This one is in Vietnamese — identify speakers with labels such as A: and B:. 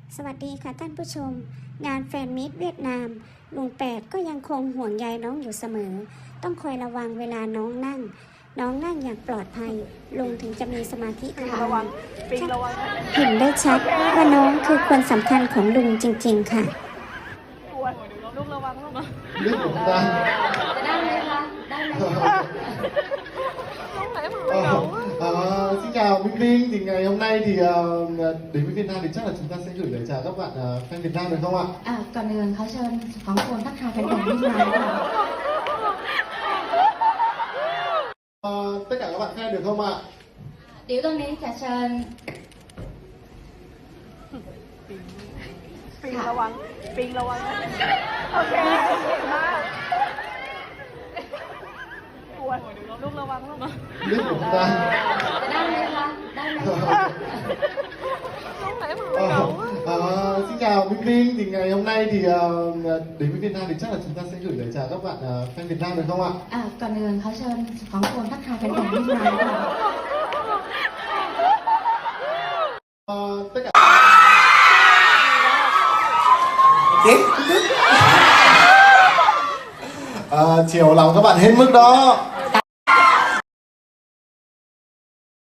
A: สวัสดีค่ะท่านผู้ชมงานแฟนมีตเวียดนามลุงแปดก็ยังคงห่วงใยน้องอยู่เสมอต้องคอยระวังเวลาน้องนั่งอย่างปลอดภัยลุงถึงจะมีสมาธิทำงานเห็นได้ชัดว่าน้องคือคนสำคัญของลุงจริงๆค่ะ
B: ลูกระวังลูก
C: Biết của chúng ta. Xin chào Minh Vinh, thì ngày hôm nay thì đến với Việt Nam thì chắc là chúng ta sẽ gửi lời chào các bạn fan Việt Nam được không ạ?
D: ก่อนอื่นเขาเชิญของคนทักทายแฟนๆที่มาค่ะ
C: Tất cả các bạn fan được không ạ?
D: เดี๋ยวตรงนี้จะเชิญ
B: ปิงระวังโอเคมากปวดลูกระวังลูก
C: Biết của chúng ta.
D: ได้ไหมคะได้ไหมคะ
B: ลูกไหนมาเก่า
C: Xin chào Minh Vinh, thì ngày hôm nay thì đến với Việt Nam thì chắc là chúng ta sẽ gửi lời chào các bạn fan Việt Nam được không ạ?
D: ก่อนอื่นเขาเชิญของคนทักทายแฟนๆที่มาค่ะ
C: Tất cả chiều lòng các bạn hết mức đó.